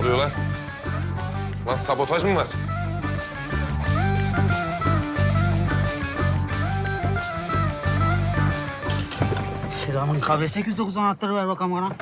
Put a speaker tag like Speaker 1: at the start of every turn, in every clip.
Speaker 1: oluyor lan? Lan sabotaj mı var?
Speaker 2: Silahın KB809 anahtarı ver bakalım bana.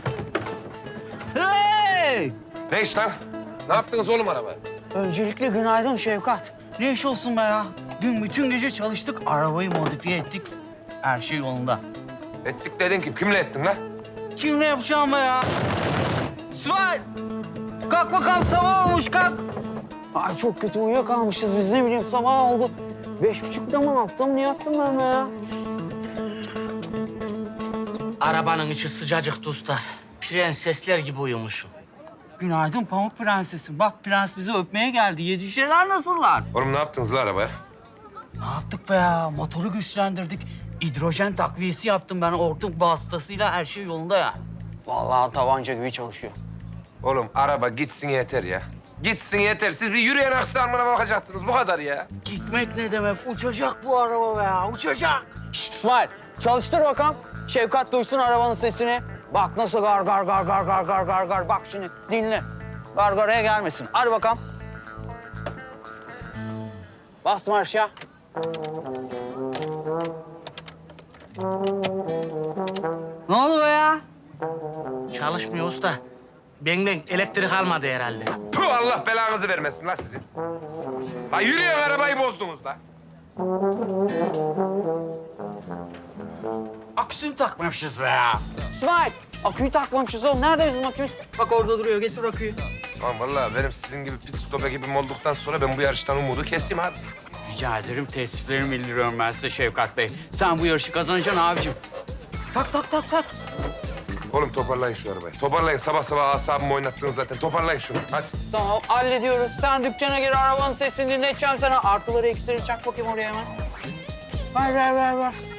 Speaker 2: Hey!
Speaker 1: Ne iş lan? Ne yaptınız oğlum arabaya?
Speaker 2: Öncelikle günaydın Şevkat. Ne iş olsun be ya? Dün bütün gece çalıştık, arabayı modifiye ettik. Her şey yolunda.
Speaker 1: Ettik dedin ki kimle ettin lan?
Speaker 2: Kimle yapacağım be ya? İsmail! Kalk bakalım, sabah olmuş, kalk. Ay çok kötü uyuyakalmışız biz, ne bileyim sabah oldu. 5.30'da mı attım, niye attım ben be ya?
Speaker 3: Arabanın içi sıcacık usta. Prensesler gibi uyumuşum.
Speaker 2: Günaydın Pamuk Prensesim. Bak prens bizi öpmeye geldi. Yedişeler nasıllar?
Speaker 1: Oğlum ne yaptınız lan arabaya?
Speaker 2: Ne yaptık be ya? Motoru güçlendirdik. Hidrojen takviyesi yaptım ben hortum vasıtasıyla, her şey yolunda ya. Vallahi tabanca gibi çalışıyor.
Speaker 1: Oğlum araba gitsin yeter ya. Gitsin yeter. Siz bir yürüyen aksamına bakacaktınız. Bu kadar ya.
Speaker 2: Gitmek ne demek? Uçacak bu araba be ya, uçacak. İsmail, çalıştır bakalım. Şevkat duysun arabanın sesini. Bak nasıl gar gar gar gar gar gar gar gar. Bak şimdi dinle. Gargaraya gelmesin. Hadi bakalım. Bas marşa. Ne oldu be ya?
Speaker 3: Çalışmıyor usta. Benden elektrik almadı herhalde.
Speaker 1: Puh, Allah belanızı vermesin lan sizin. Ha yürüyen arabayı bozdunuz lan.
Speaker 2: Aküsünü takmamışız be ya. İsmail, aküyü takmamışız oğlum. Nerede bizim akümüz? Bak orada duruyor. Getir aküyü.
Speaker 1: Lan vallahi benim sizin gibi pit stop ekibim olduktan sonra ben bu yarıştan umudu keseyim abi.
Speaker 2: Rica ederim. Teessüflerimi bildiriyorum ben size Şevkat Bey. Sen bu yarışı kazanacaksın abicim. Tak tak tak tak.
Speaker 1: Oğlum toparlayın şu arabayı. Toparlayın. Sabah sabah asabımı oynattınız zaten. Toparlayın şunu. Hadi.
Speaker 2: Tamam hallediyoruz. Sen dükkana gir, arabanın sesini dinleteceğim sana. Artıları eksileri çak bakayım oraya hemen. Ver ver ver ver.